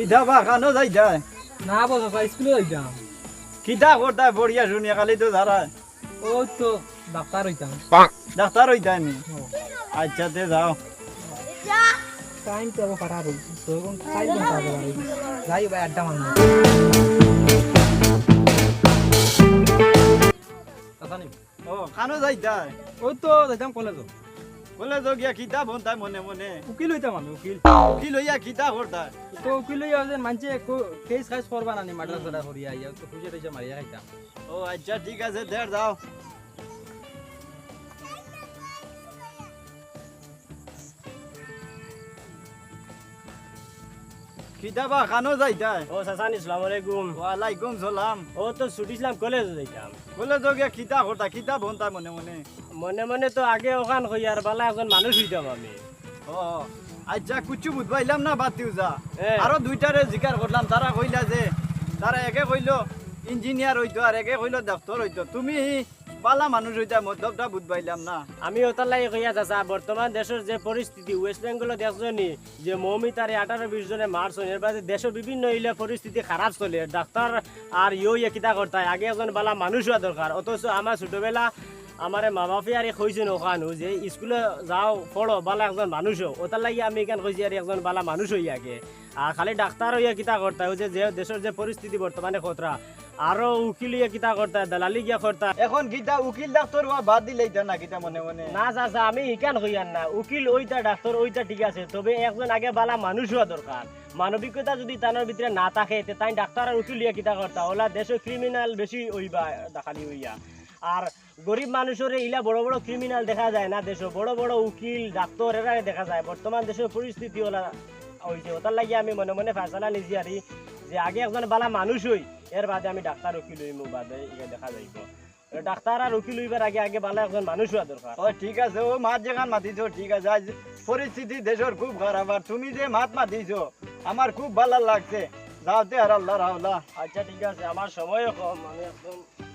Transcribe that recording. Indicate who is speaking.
Speaker 1: কিতা বা খানো যাই যায়
Speaker 2: না বস স্কুলে যাইতাম
Speaker 1: কিতা করতা বড়িয়া শুনিয়া খালি তো যারা
Speaker 2: ওই তো ডাক্তার হইতাম
Speaker 1: ডাক্তার হইতাই নি আচ্ছা তে যাও
Speaker 2: টাইম তো আবার খারাপ হইছে তো এখন টাইম কাটাতে পারি যাই ভাই আড্ডা মারবো আসানি
Speaker 1: ও খানো যাই যায়
Speaker 2: ওই তো যাইতাম কলেজ
Speaker 1: বলে তো গিয়া কিতা বনতাই মনে মনে
Speaker 2: উকিল হইতাম আমি উকিল
Speaker 1: কি লইয়া কিতা করতা
Speaker 2: তো উকিল হইয়া যে মানছে কেস খাইস করবা না নি মাদ্রাস সরা করিয়া আইয়া তো খুঁজে টুজে মারিয়া খাইতাম
Speaker 1: ও আচ্ছা ঠিক আছে দেড় যাও কিতা বা খানো যাই যায়
Speaker 3: ও সাসানি আসসালামু আলাইকুম
Speaker 1: ওয়ালাইকুম সালাম
Speaker 3: ও তো ছুটিছিলাম কলেজ যাইতাম
Speaker 1: বলে তো গিয়া কিতা করতা কিতা বনতাই মনে মনে
Speaker 3: মনে মনে তো আগে ওখান হইয়ার বালা একজন মানুষ হইতাম আমি
Speaker 1: ও আচ্ছা কুচু বুঝবাইলাম না বাতিও যা
Speaker 3: এ।
Speaker 1: আরো দুইটারে জিকার করলাম তারা কইলা যে তারা একে কইলো ইঞ্জিনিয়ার হইতো আর একে কইলো ডাক্তার হইতো তুমি বালা মানুষ হইতা মতলবটা বুঝবাইলাম না
Speaker 3: আমি ওটার লাগে কইয়া যাচ্ছা বর্তমান দেশের যে পরিস্থিতি ওয়েস্ট বেঙ্গল দেখছনি যে মৌমিতারে 18-20 জনে মারছন এর বাদে দেশের বিভিন্ন ইলা পরিস্থিতি খারাপ চলে ডাক্তার আর ইয়ে কিতা করতায় আগে একজন বালা মানুষ হওয়া দরকার অথচ আমার ছোটবেলা আমার মা বাপে আর কইছেন ওখানো যে স্কুলে যাও পড়ো বালা একজন মানুষ হোক ওটার লাগে আমি এখান কইছি আর একজন বালা মানুষ হইয়া আগে আর খালি ডাক্তার হইয়া কিতা করতায় ওই যে দেশের যে পরিস্থিতি বর্তমানে খতরা আরো উকিল হইয়া কিতা করতায় দালালি গিয়া করতায়
Speaker 1: এখন কিতা উকিল ডাক্তার হওয়া বাদ দিলেই তো না কিতা মনে মনে
Speaker 3: না চাচা আমি ইকান হইয়ান না উকিল ওইটা ডাক্তার ওইটা ঠিক আছে তবে একজন আগে বালা মানুষ হওয়া দরকার মানবিকতা যদি তার ভিতরে না থাকে তাই ডাক্তার আর উকিল হইয়া কিতা করতা ওলা দেশে ক্রিমিনাল বেশি হইবা দেখালি হইয়া আর গরিব মানুষের ইলা বড় বড় ক্রিমিনাল দেখা যায় না দেশে বড় বড় উকিল ডাক্তার এরা দেখা যায় বর্তমান দেশের পরিস্থিতি ওলা হইছে ওটার লাগে আমি মনে মনে ফয়সালা নিছি আর যে আগে একজন বালা মানুষ হই এর বাদে আমি ডাক্তার উকিল হইমু বাদে ইয়া দেখা যাইব ডাক্তার আর উকিল হইবার আগে আগে বালা একজন মানুষ হওয়া দরকার
Speaker 1: ও ঠিক আছে ও মাত যেখান মাতিছো ঠিক আছে আজ পরিস্থিতি দেশের খুব খারাপ আর তুমি যে মাত মাতিছো আমার খুব ভালো লাগছে যাওতে আর আল্লাহ রাহলা
Speaker 3: আচ্ছা ঠিক আছে আমার সময়ও কম আমি একদম